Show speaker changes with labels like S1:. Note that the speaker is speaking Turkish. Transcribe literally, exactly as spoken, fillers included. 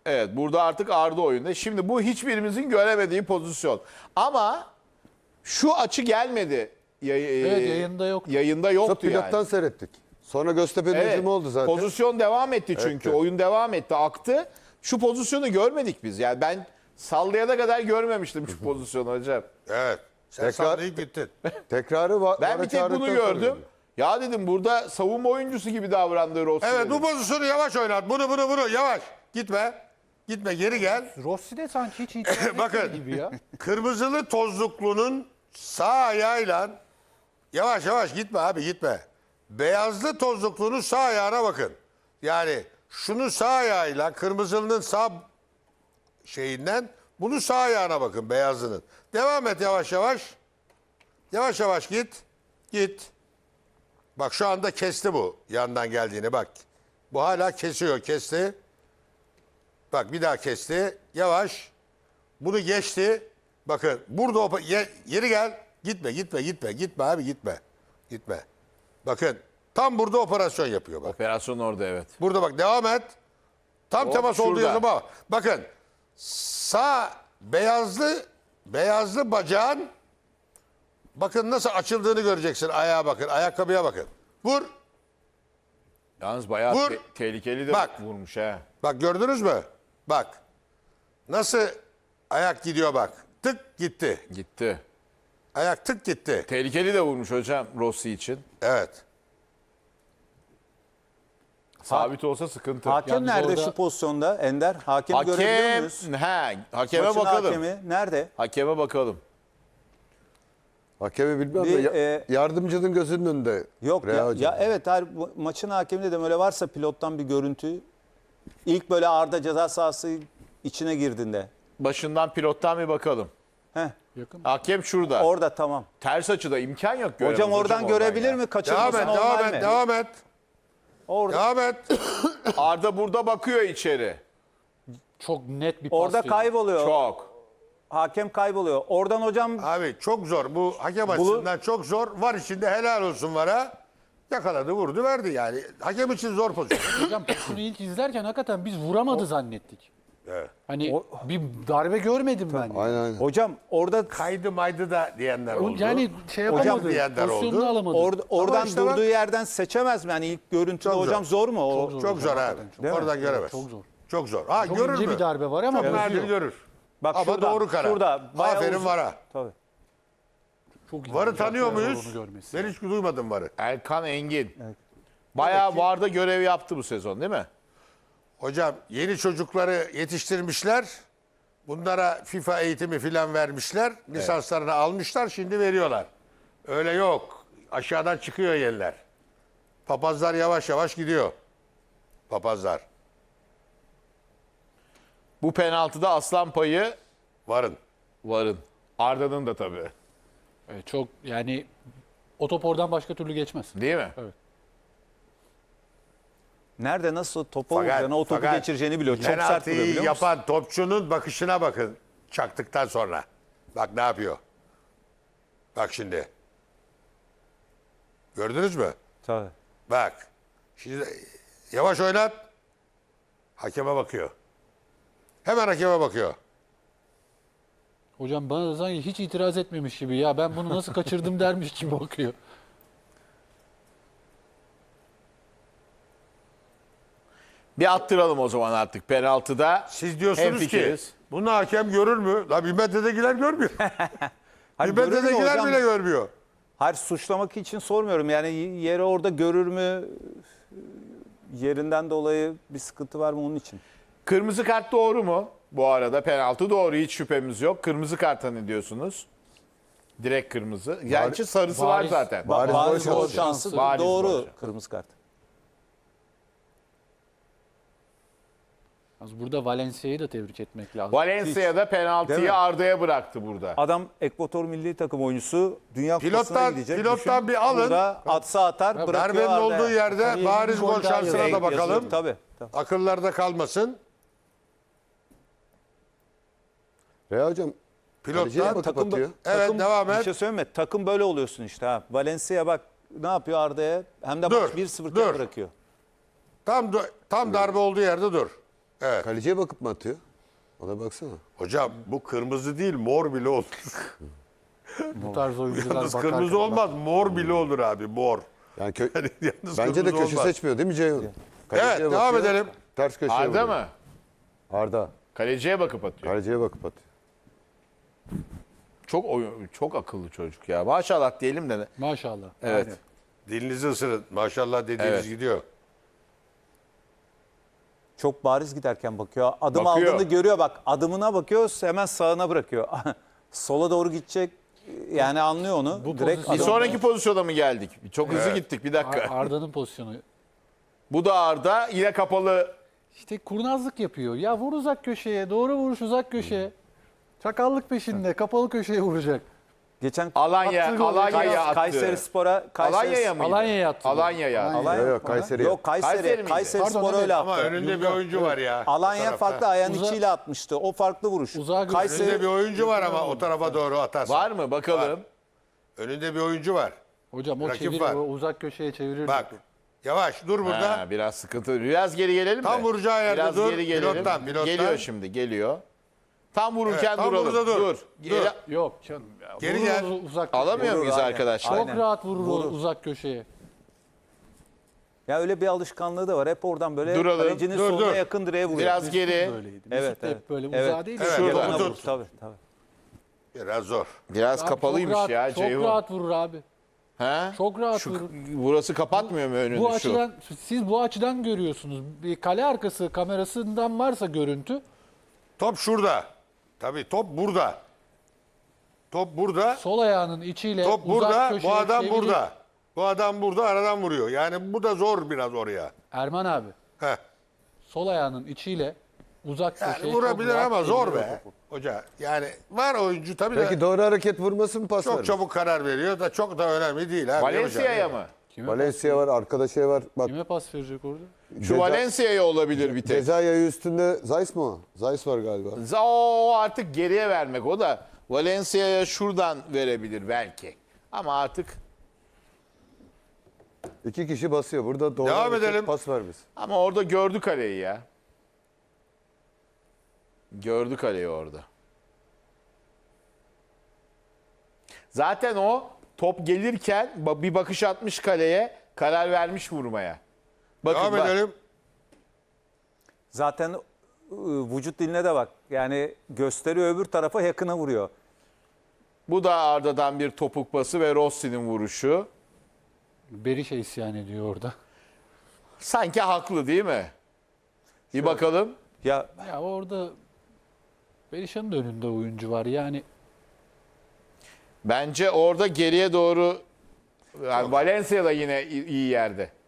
S1: Evet, burada artık Arda oyunda. Şimdi bu hiçbirimizin göremediği pozisyon. Ama şu açı gelmedi. Yay-
S2: Evet, yayında yoktu.
S1: Yayında
S3: Sonra
S1: yoktu
S3: pilottan
S1: yani.
S3: seyrettik. Sonra Göztepe'nin
S1: Evet,
S3: hücumu oldu zaten.
S1: pozisyon devam etti çünkü.
S3: Evet.
S1: Oyun devam etti, aktı. Şu pozisyonu görmedik biz. Yani ben sallayana kadar görmemiştim şu pozisyonu hocam.
S4: Evet. Sen
S3: Tekrar-
S4: sallayıp gittin.
S3: Tekrarı var.
S1: Ben bir tek bunu gördüm. Ya dedim burada savunma oyuncusu gibi davrandı Rossi.
S4: Evet
S1: dedim.
S4: bu pozisyonu yavaş oynat. Bunu bunu bunu yavaş. Gitme. Gitme geri gel.
S2: Rossi de sanki hiç itiraz
S4: Bakın.
S2: etmedi gibi ya.
S4: Kırmızılı tozluklunun sağ ayağıyla yavaş yavaş gitme abi gitme. Beyazlı tozluklunun sağ ayağına bakın. Yani şunun sağ ayağıyla kırmızılının sağ şeyinden bunun sağ ayağına bakın beyazlının. Devam et yavaş yavaş. Yavaş yavaş git. Git. Bak şu anda kesti bu yandan geldiğini bak. Bu hala kesiyor kesti. Bak bir daha kesti. Yavaş. Bunu geçti. Bakın burada o, ye, yeri gel. Gitme gitme gitme. Gitme abi gitme. Gitme. Bakın tam burada operasyon yapıyor bak.
S1: Operasyon orada evet.
S4: Burada bak devam et. Tam
S1: Hop,
S4: temas olduğu
S1: şurada.
S4: zaman bakın sağ beyazlı beyazlı bacağın bakın nasıl açıldığını göreceksin. Ayağa bakın. Ayakkabıya bakın. Vur.
S1: Yalnız bayağı
S4: Vur.
S1: te- tehlikeli de
S4: Bak.
S1: vurmuş ha.
S4: Bak gördünüz mü? Bak. Nasıl ayak gidiyor bak. Tık gitti.
S1: Gitti.
S4: Ayak tık gitti.
S1: Tehlikeli de vurmuş hocam Rossi için.
S4: Evet.
S1: Sabit olsa sıkıntı.
S5: Hakem
S2: Yalnız
S5: nerede
S2: orada-
S5: şu pozisyonda Ender? Hakemi görebiliyor
S1: Hakem,
S5: muyuz?
S1: he, hakeme
S5: Maçın
S1: bakalım.
S5: hakemi nerede?
S1: Hakeme bakalım.
S3: Hakemi bilmem
S5: Bir,
S3: de ya-
S5: e,
S3: yardımcının gözünün önünde.
S5: Yok
S3: Rea
S5: ya,
S3: hocam.
S5: ya evet hayır, bu maçın hakemi de böyle varsa pilottan bir görüntü. İlk böyle Arda ceza sahası içine girdiğinde.
S1: Başından pilottan bir bakalım.
S5: Heh,
S2: Yakın.
S1: Hakem şurada.
S5: orada tamam.
S1: Ters açıda imkan yok göremez
S5: Hocam oradan görebilir
S1: ya.
S5: mi?
S4: Devam
S5: Kaçırması
S4: et,
S5: normal
S4: devam
S5: mi?
S4: et, devam et.
S5: Orada,
S4: Devam et.
S1: Arda burada bakıyor içeri.
S2: Çok net bir pas.
S5: orada
S2: veriyor.
S5: kayboluyor.
S1: Çok.
S5: Hakem kayboluyor. Oradan hocam
S4: Abi çok zor. Bu hakem açısından çok zor. Var içinde helal olsun vara. Yakaladı, vurdu, verdi yani. Hakem için zor pozisyon.
S2: Hocam pozisyonu ilk izlerken hakikaten biz vuramadı zannettik.
S4: Evet.
S2: Hani
S5: O-
S2: bir darbe görmedim ben.
S3: Aynen aynen.
S5: hocam orada
S4: Kaydı maydı da diyenler
S2: O-
S4: oldu.
S2: Yani şey
S4: Hocam
S2: yapamadı.
S4: diyenler
S2: Pozisyonunu
S4: oldu.
S2: alamadı.
S5: orada oradan
S4: işte bak-
S5: durduğu yerden seçemez mi? Yani ilk görüntüde
S4: Çok
S5: hocam
S4: zor.
S5: zor, mu? O,
S2: Çok
S4: Çok zor abi.
S5: Değil mi?
S4: Oradan göremez.
S2: Çok zor.
S4: Çok zor. Ha
S2: Çok
S4: görür
S2: ince
S4: mü?
S2: bir darbe var ama
S4: Çok nadir
S2: bozuyor.
S4: görür.
S5: Bak
S4: Ama
S5: şurada,
S4: doğru karar.
S5: şurada, bayağı
S4: Aferin
S5: uzun.
S4: vara.
S5: Tabii.
S2: Çok iyi
S4: Varı
S2: olacak
S4: tanıyor
S2: ya,
S4: muyuz?
S2: onu görmesi.
S4: Ben hiç duymadım varı.
S1: Erkan Engin. Bayağı VAR'da görev yaptı bu sezon değil mi?
S4: Hocam yeni çocukları yetiştirmişler. Bunlara FIFA eğitimi filan vermişler. Lisanslarını almışlar, şimdi veriyorlar. Öyle yok. Aşağıdan çıkıyor yerler. Papazlar yavaş yavaş gidiyor. Papazlar.
S1: Bu penaltıda aslan payı
S4: Varın.
S1: VAR'ın. Arda'nın da tabii.
S2: Evet, çok yani o top oradan başka türlü geçmez.
S1: Değil mi?
S5: Nerede nasıl topu
S4: Fakat-
S5: vuracağını, o topu
S4: fakat
S5: geçireceğini biliyor. Çok sert
S4: penaltıyı
S5: vuruyor biliyor musun?
S4: yapan topçunun bakışına bakın. Çaktıktan sonra. Bak ne yapıyor. Bak şimdi. Gördünüz mü?
S5: Tabii.
S4: Bak. Şimdi yavaş oynat. Hakeme bakıyor. Hemen hakeme bakıyor.
S2: Hocam bana da sanki hiç itiraz etmemiş gibi ya ben bunu nasıl kaçırdım dermiş gibi bakıyor.
S1: Bir attıralım o zaman artık penaltıda.
S4: Siz diyorsunuz ki
S1: hemfikiriz.
S4: bunu hakem görür mü? La bir metredekiler görmüyor.
S5: Hayır,
S4: bir
S5: görür mü
S4: metredekiler
S5: hocam?
S4: bile görmüyor.
S5: Hayır, suçlamak için sormuyorum. Yani yeri orada görür mü? Yerinden dolayı bir sıkıntı var mı onun için?
S1: Kırmızı kart doğru mu? Bu arada penaltı doğru, hiç şüphemiz yok. Kırmızı karta ne diyorsunuz? Direkt kırmızı. Gerçi sarısı var
S2: bariz-
S1: zaten.
S3: Bariz
S5: Bariz
S3: gol
S5: gol
S3: şansı.
S5: şansı
S1: Bariz
S5: doğru
S1: gol şansı.
S5: kırmızı kart.
S2: Yalnız burada Valencia'yı da tebrik etmek lazım.
S1: Valencia'da
S5: Değil
S1: penaltıyı
S5: mi?
S1: Arda'ya bıraktı burada.
S5: Adam Ekvator milli takım oyuncusu, Dünya Kupası'na
S4: Pilottan-
S5: gidecek.
S4: pilottan
S5: Düşün,
S4: bir alın.
S5: Burada atsa atar, bırakıyor
S4: Darbenin
S5: Arda'ya.
S4: olduğu yerde
S2: Tabii
S4: bariz
S2: bir gol
S4: gol
S2: daha
S4: şansına da
S5: Yazıyor,
S4: bakalım.
S5: Tabii. tabii.
S4: Akıllarda kalmasın.
S3: Rea hocam. kaleciye
S4: Pilottan
S3: bakıp
S5: Takım,
S3: atıyor.
S4: Evet,
S5: takım,
S4: devam
S5: Bir
S4: et.
S5: şey söyleme. Takım böyle oluyorsun işte. Ha. Valencia bak ne yapıyor Arda'ya? Hem de
S4: Dur,
S5: maç bir sıfır
S4: dur.
S5: bırakıyor.
S4: Tam tam darbe olduğu yerde dur. Evet.
S3: Kaleciye bakıp mı atıyor? Ona baksana.
S4: Hocam bu kırmızı değil mor bile olur.
S2: Bu tarz oyuncular
S4: Yalnız
S2: bakarken-
S4: kırmızı olmaz mor bile olur abi mor.
S3: Yani kö-
S4: Yani yalnız
S3: bence de
S4: kırmızı
S3: köşe
S4: olmaz.
S3: seçmiyor değil mi Ceyhun? Kaleciye
S4: Evet devam
S3: bakıyor,
S4: edelim.
S3: Ters köşeye
S1: Arda
S3: vuruyor.
S1: mı?
S3: Arda.
S1: Kaleciye bakıp atıyor.
S3: Kaleciye bakıp atıyor.
S1: Çok oyun, çok akıllı çocuk ya. Maşallah diyelim de.
S2: Maşallah.
S1: Evet.
S2: Aynen.
S4: Dilinizi ısırın. Maşallah dediğiniz
S1: Evet.
S4: gidiyor.
S5: Çok bariz giderken bakıyor. Adım
S1: Bakıyor.
S5: aldığını görüyor bak. Adımına bakıyor hemen sağına bırakıyor. Sola doğru gidecek yani anlıyor onu.
S2: Bu
S5: Direkt
S2: pozisyon-
S1: Bir
S5: adam-
S1: sonraki pozisyona mı geldik? Çok hızlı gittik bir dakika.
S2: Ar- Arda'nın pozisyonu.
S1: Bu da Arda. Yine kapalı.
S2: İşte kurnazlık yapıyor. Ya vur uzak köşeye. Doğru vuruş uzak köşeye. Çakallık peşinde. Kapalı köşeye vuracak.
S5: Geçen
S1: Alanya,
S2: Attığı gol.
S1: Alanya'ya attı.
S5: Kayseri Spor'a Kayseri
S1: Alanya'ya mıydı?
S2: Alanya'ya attı.
S1: Alanya'ya.
S5: Alanya.
S3: Yok, yok, Kayseri'ye.
S5: Yok Kayseri.
S1: Kayseri
S5: Kayseri,
S1: miydi?
S2: Pardon,
S5: Spor'a
S2: evet.
S5: öyle attı.
S4: Ama önünde bir oyuncu var ya. o
S5: Alanya
S4: tarafta.
S5: farklı ayağın
S2: Uza-
S5: içiyle atmıştı. O farklı vuruş.
S2: Uzağa götürdü.
S5: Kayseri
S4: Önünde bir oyuncu var ama o tarafa doğru atarsan.
S1: Var mı? Bakalım.
S4: Önünde bir oyuncu var.
S2: Hocam o
S4: Rakip
S2: çevirir.
S4: var.
S2: O uzak köşeye çevirir.
S4: Bak yavaş dur burada.
S1: Ha, biraz sıkıntı. Biraz geri gelelim
S4: Tam
S1: mi?
S4: vuracağı yerde
S1: biraz
S4: dur.
S1: Geri gelelim.
S4: Pilottan, pilottan.
S1: Geliyor şimdi, geliyor. Tam vururken
S4: Evet, tam
S1: duralım.
S4: burada dur.
S1: Geri-
S4: Dur.
S2: Yok canım. Ya.
S4: Geri
S2: Vurur
S4: gel.
S2: uz- Uzak
S1: Alamıyor
S5: Vurur,
S1: muyuz
S5: aynen.
S1: arkadaşlar?
S2: Çok
S5: Aynen.
S2: rahat vurur, o
S5: Vurur.
S2: uzak köşeye.
S5: Ya öyle bir alışkanlığı da var. Hep oradan böyle
S1: Duralım.
S5: kalecinin
S4: Dur,
S5: soluna
S4: dur.
S5: yakın direğe vuruyor.
S1: Biraz geri.
S2: Böyleydi. Mesut
S5: Evet,
S2: da
S5: evet.
S2: hep böyle
S5: Evet.
S2: uzağa değil.
S4: Evet,
S2: şurada.
S1: Şurada.
S5: Yakına
S4: Tut.
S5: vurur, tabii, tabii.
S4: Biraz zor.
S1: Biraz
S2: Abi
S1: kapalıymış
S2: çok rahat,
S1: ya
S2: Çok
S1: Ceyhun.
S2: rahat vurur abi.
S1: Ha?
S2: Çok rahat
S1: Şu,
S2: vurur.
S1: burası kapatmıyor mu önünü
S2: Bu
S1: şu?
S2: açıdan siz bu açıdan görüyorsunuz. Bir kale arkası kamerasından varsa görüntü
S4: Top şurada. Tabii top burada. Top burada.
S2: sol ayağının içiyle
S4: Top
S2: uzak
S4: burada.
S2: köşeye
S4: Bu adam
S2: çeviriyor.
S4: burada. Bu adam burada aradan vuruyor. Yani bu da zor biraz oraya.
S2: Erman abi
S4: Heh.
S2: sol ayağının içiyle uzak
S4: Yani
S2: köşeye
S4: vurabilir
S2: çok rahat
S4: ama zor
S2: çeviriyor
S4: be.
S2: topu.
S4: Hoca yani var oyuncu tabii
S3: Peki
S4: de
S3: doğru hareket vurması mı pas
S4: çok
S3: vermesi?
S4: çabuk karar veriyor da çok da önemli değil. Abi.
S1: Valencia'ya
S4: Yapacak.
S1: mı?
S2: Kime,
S3: Valencia var, arkada şey var. Bak
S2: kime pas verecek orada?
S1: Şu
S3: Ceza-
S1: Valencia'ya olabilir bir tek.
S3: ceza yayı üstünde Zeiss mi o? Zeiss var galiba.
S1: Z- O artık geriye vermek o da. Valencia'ya şuradan verebilir belki. Ama artık
S3: İki kişi basıyor. Burada doğru
S4: Devam
S3: hareket,
S4: edelim.
S3: pas vermesi.
S1: ama orada gördü kaleyi ya. Gördü kaleyi orada. Zaten o top gelirken ba- bir bakış atmış kaleye, karar vermiş vurmaya. Bakın
S4: Devam
S1: bak.
S4: edelim.
S5: Zaten ıı, vücut diline de bak. Yani gösteriyor öbür tarafa yakına vuruyor.
S1: Bu da Arda'dan bir topuk pası ve Rossi'nin vuruşu.
S2: Berisha isyan ediyor orada.
S1: Sanki haklı değil mi? Bir bakalım.
S5: Ya
S2: Ya orada Berisha'nın da önünde oyuncu var. Yani
S1: Bence orada geriye doğru yani Valencia da yine iyi iyi yerde.